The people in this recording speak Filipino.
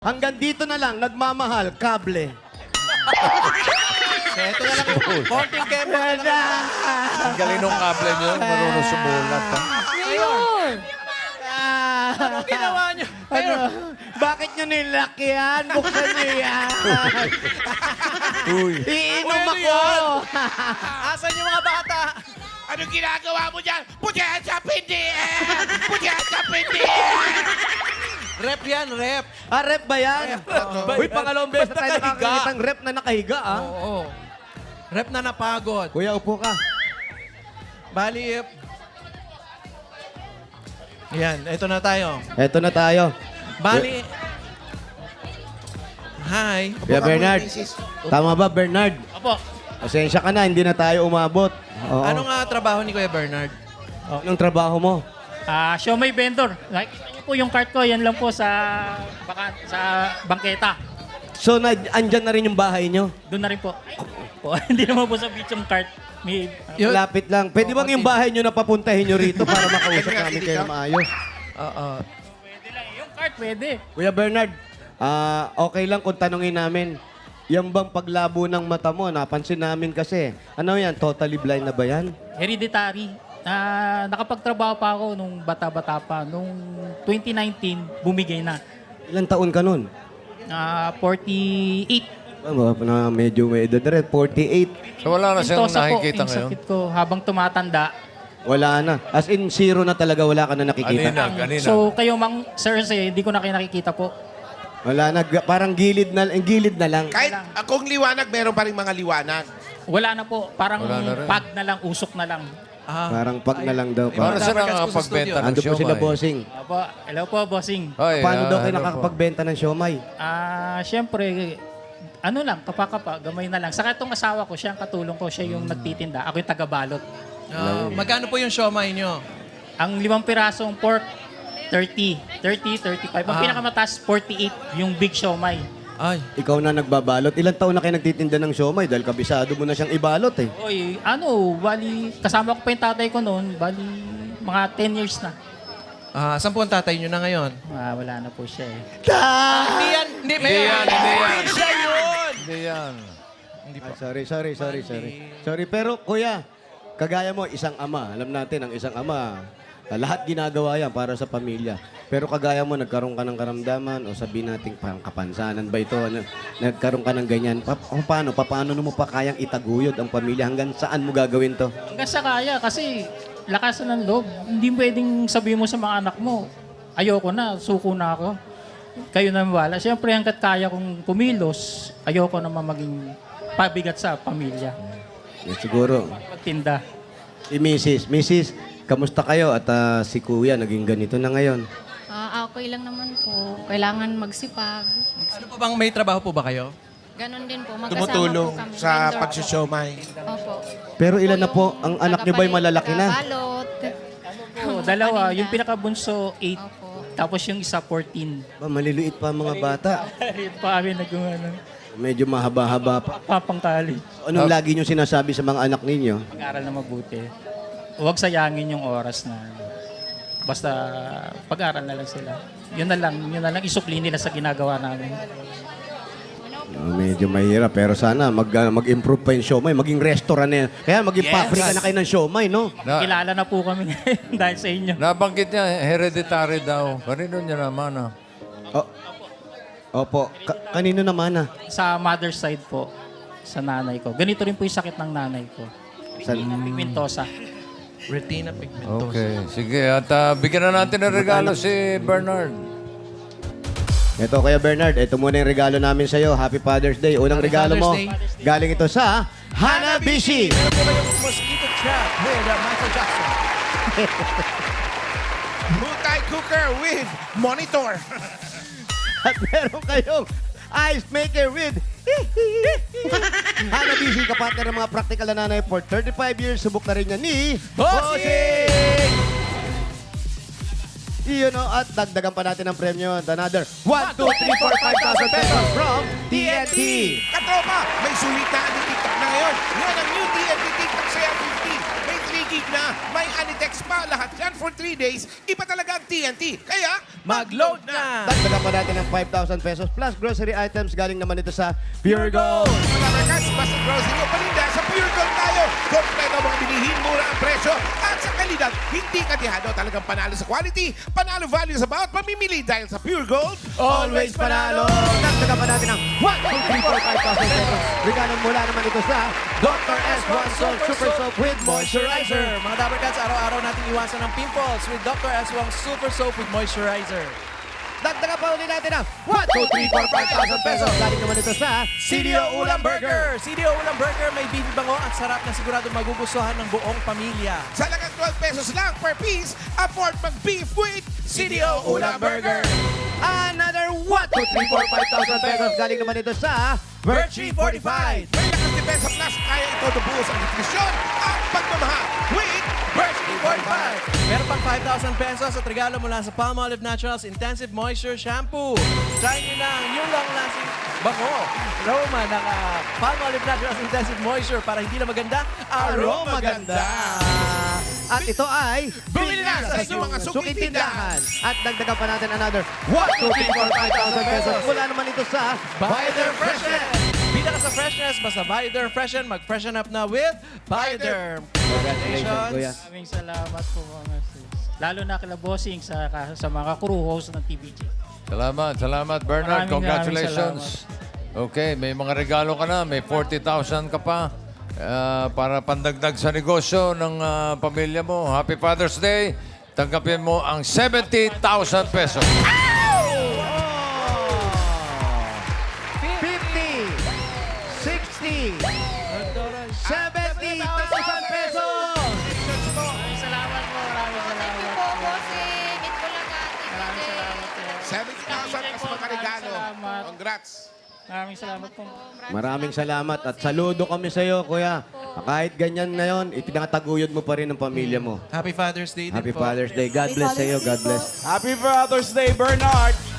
Hanggang dito na lang, nagmamahal, kable. Ito na lang yung konting camera. Ang galing nung kable nyo, marunong sumulat. Ha? Ngayon! Anong ginawa niyo? Ano? Bakit nyo nilaki yan? Buksan nyo yan. Uy. Iinom Ano ako. yan? Asan yung mga bata? Anong ginagawa mo dyan? Puti sa pindiin! Puti sa pindiin! Rep yan, rep. Ah, rep ba yan? Uy, pangalawang beses na tayo Basta nakahiga. nakakakita ng rep na nakahiga, ah. Oo. Rep na napagod. Kuya, upo ka. Bali, yan, ito na tayo. Eto na tayo. Bali, hi. Kuya Bernard. Tama ba, Bernard? Opo. Pasensya ka na, hindi na tayo umabot. Oo. Anong trabaho ni Kuya Bernard? Anong trabaho mo? Siomay vendor. Nakikita niyo po yung cart ko, yan lang po sa bangketa. So, andyan na rin yung bahay nyo? Doon na rin po. Po. Hindi naman po sa beach yung cart. May, Yun. Lapit lang. Pwede bang yung bahay nyo na papuntahin nyo rito para makausap namin kayo na maayos? Oo. pwede lang. Yung cart pwede. Kuya Bernard, okay lang kung tanungin namin, yung bang paglabo ng mata mo, napansin namin kasi, ano yan, totally blind na ba yan? Hereditary. Nakapagtrabaho pa ako nung bata-bata pa. Nung 2019, bumigay na. Ilang taon ka nun? 48. Na medyo may edad rin, 48. So wala na siyang Intosa po, nakikita yung ngayon? sakit ko habang tumatanda. Wala na. As in, zero na talaga, wala ka na nakikita. Kanina. So kayo mang sir, hindi ko na kayo nakikita po. Wala na, parang gilid na lang. Kahit kung liwanag, meron pa rin mga liwanag. Wala na po. Parang Wala na rin. pag na lang, usok na lang. Parang pag na lang daw. Para Pa. sa Dapat sa nakapagbenta ng Ando po sila, siomay. bossing. Opo, hello po, bossing. Hoy, Paano daw kayo ano po? nakakapagbenta ng siomay? Siyempre, ano lang, kapakapa, gamay na lang. Saka itong asawa ko, siya ang katulong ko, siya yung nagtitinda. Ako yung taga-balot. Magkano po yung siomay nyo? Ang 5 pirasong pork, 30, 35. Ang pinakamataas, 48, yung big siomay. Ay. Ikaw na nagbabalot. Ilang taon na kayo nagtitinda ng siomay dahil kabisado mo na siyang ibalot eh. Oy, bali, kasama ko pa yung tatay ko noon, bali, mga 10 years na. Saan po ang tatay nyo na ngayon? Wala na po siya eh. Hindi yan. Hindi yan, hindi yan. Siya yun. Hindi yan. Sorry. Sorry, pero kuya, kagaya mo, isang ama. Alam natin, ang isang ama, lahat ginagawa yan para sa pamilya. Pero kagaya mo, nagkaroon ka ng karamdaman o sabihin natin parang kapansanan ba ito? Nagkaroon ka ng ganyan. Paano mo pa kayang itaguyod ang pamilya? Hanggang saan mo gagawin to? Hanggang sa kaya, kasi lakas ng loob. Hindi pwedeng sabihin mo sa mga anak mo, ayoko na, suko na ako. Kayo na wala. Siyempre, hanggat kaya kong kumilos, ayoko naman maging pabigat sa pamilya. Siguro, Pagtinda. si Mrs., kamusta kayo? At si kuya, naging ganito na ngayon. Okay lang naman po. Kailangan magsipag. Ano po bang may trabaho po ba kayo? Ganon din po. Magkasama Tumutulong po kami. sa Vendor po. pagsusyomay. Opo. Pero ilan na po? Ang anak niyo ba'y malalaki na? Balot. Dalawa. Yung pinakabunso, 8. Opo. Tapos yung isa, 14. Maliliit pa ang mga bata. Ito pa kami nag-ano, Medyo mahaba-haba pa. papangkali. Anong lagi niyo sinasabi sa mga anak ninyo? Pag-aral na mabuti. Huwag sayangin yung oras na basta pag-aral na lang sila. Yun na lang isukli nila sa ginagawa namin. Medyo mahirap pero sana mag-improve pa yung siomay, maging restaurant na yan. Kaya maging pabrika na kayo ng siomay, no? Kilala na po kami ngayon dahil sa inyo. Nabanggit niya, hereditary daw. Kanino niya naman Opo. Kanino naman Sa mother's side po, sa nanay ko. Ganito rin po yung sakit ng nanay ko. Pigmentosa. Retina pigmentosa. Okay. Sige, at bigyan na natin ng regalo si Bernard. Ito kaya Bernard, ito muna yung regalo namin sa'yo. Happy Father's Day. Unang Happy regalo mo, Father's Day. galing ito sa Hanabishi. Meron po ba yung mosquito trap with Michael Jackson? Multi-cooker with monitor. At meron kayong ice maker with Hanabishi, kapatid ng mga practical na nanay for 35 years. Subok na rin niya ni Bossing! Iyon o, at dagdagan pa natin ang premyo. Another 1, 2, 3, 4, 5,000 pesos from TNT. Katropa, may sulit na anti-TikTok na ngayon. Yan ang new TNT TikTok Saya 50. May 3 gig na, may anitext pa. Lahat yan for 3 days. Iba talaga ang TNT. Kaya, mag-load na! Dagdagan pa natin ng 5,000 pesos plus grocery items galing naman ito sa Pure Gold. Mga Labarkas, basta grocery o paninda, sa Pure Gold tayo. Kompleto ang mga bilihin, mura ang presyo. At sa kalidad, hindi katihado. Talagang panalo sa quality, panalo value sa bawat pamimili dahil sa Pure Gold. Always panalo! Dagdagan pa natin ng 1, 2, 3, 4, 5,000 pesos. Regalo mula naman ito sa Dr. S1 Soap Super Soap with Moisturizer. Mga Dabarkats, araw-araw natin iwasan ng pimples with Dr. S1 Super Soap with Moisturizer. Dagdagan pa ulit natin ng 1, 2, 3, 4, 5,000 pesos. Galing naman ito sa CDO Ulam Burger! CDO Ulam Burger may beef bango at sarap na sigurado magugustuhan ng buong pamilya. Sa lagang 12 pesos lang per piece, afford mag-beef with CDO Ulam Burger. Another 1, 2, 3, 4, 5,000 pesos. Galing naman ito sa Virtue Fortified! May lakas depensa plus, kaya ito nabuhos ang nutrisyon at pagmamahal with Virtue Fortified! Meron pang 5,000 pesos at regalo mula sa Palmolive Naturals Intensive Moisture Shampoo. Try nyo na ang new long-lasting bango aroma ng Palmolive Naturals Intensive Moisture para hindi na maganda, aroma ganda! At ito ay Bumili na sa inyong mga suking tindahan. At dagdagan pa natin another 1, 2, 3, 4, 5,000 pesos. Mula naman ito sa Bioderm Freshen! Bida ka sa freshness, basta Bioderm Freshen, mag-freshen up na with Bioderm! Congratulations, Kuya. Maraming salamat po mga sis. Lalo na kila Bossing sa mga crew host ng TVJ. Salamat Bernard. Maraming Congratulations. Okay, may mga regalo ka na. May 40,000 ka pa para pandagdag sa negosyo ng pamilya mo. Happy Father's Day. Tanggapin mo ang 70,000 pesos. 50, 60, 70,000 pesos! Maraming salamat po. Maraming Thank you salamat po, po. bossing. It ko lang Maraming salamat po. 70,000 kas mga regalo. Salamat. Congrats. Maraming salamat po. Maraming salamat at saludo kami sa iyo, Kuya. Kahit ganyan na yon, itinataguyod mo pa rin ang pamilya mo. Happy Father's Day din Happy po. Father's Day. God bless sa iyo. God bless. Happy Father's Day, Bernard!